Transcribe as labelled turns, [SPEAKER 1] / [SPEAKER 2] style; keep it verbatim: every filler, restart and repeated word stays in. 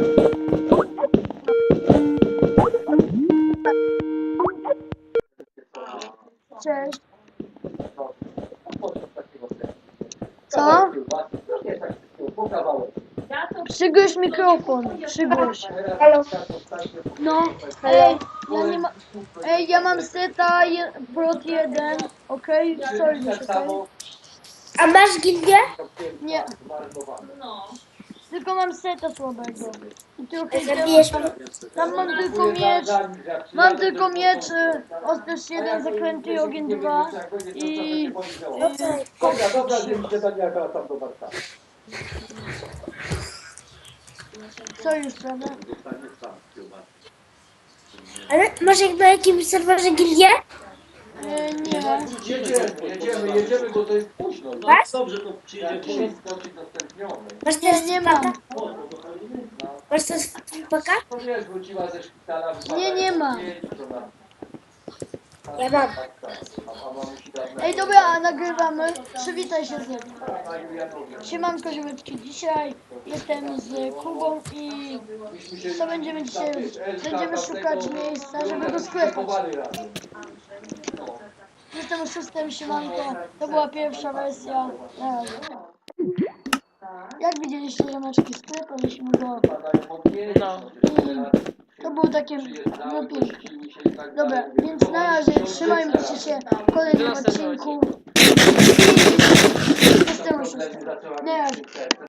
[SPEAKER 1] Cześć. Co? Przygłoś mikrofon, przygłoś.
[SPEAKER 2] Halo.
[SPEAKER 1] No, ej, ja nie ma... Ej, ja mam seta je, prot jeden, okej? Okay? Sorry, okej?
[SPEAKER 2] A masz gildię?
[SPEAKER 1] Nie. Tylko mam seta słabego. I trochę
[SPEAKER 2] Zabijesz mnie?
[SPEAKER 1] tam mam tylko miecz. Mam tylko miecz, y, ostrz jeden, zakręty ogień dwa i... i
[SPEAKER 3] Dobra, dobra, że idzie Daniela tam do Warszawy.
[SPEAKER 1] co już, prawda?
[SPEAKER 2] Ale może na jakimś serwerze gildię?
[SPEAKER 1] E, nie.
[SPEAKER 3] Jedziemy, jedziemy, jedziemy, bo to jest późno. No.
[SPEAKER 2] Masz?
[SPEAKER 4] Dobrze, to przyjedzie
[SPEAKER 3] Jak
[SPEAKER 4] później.
[SPEAKER 3] jest dosyć udostępniony.
[SPEAKER 2] Masz
[SPEAKER 1] Nie,
[SPEAKER 2] też
[SPEAKER 1] nie mam.
[SPEAKER 2] Masz też paka?
[SPEAKER 3] To wiesz, wróciła ze szpitala.
[SPEAKER 1] Nie, nie ma.
[SPEAKER 2] Ja mam.
[SPEAKER 1] Ej, dobra, nagrywamy. Przywitaj się z nim. Siemanko, ziomeczki. Dzisiaj jestem z Kubą i co będziemy dzisiaj robić? Będziemy szukać miejsca, żeby go sklepać. Jestem oszustem, siemanko. To była pierwsza wersja. Na razie. Jak widzieliście, ziomeczki, sklepaliśmy go. I to było takie no piękne. Dobra, więc na razie trzymajmy się w kolejnym odcinku. I jestem oszustem. Na razie.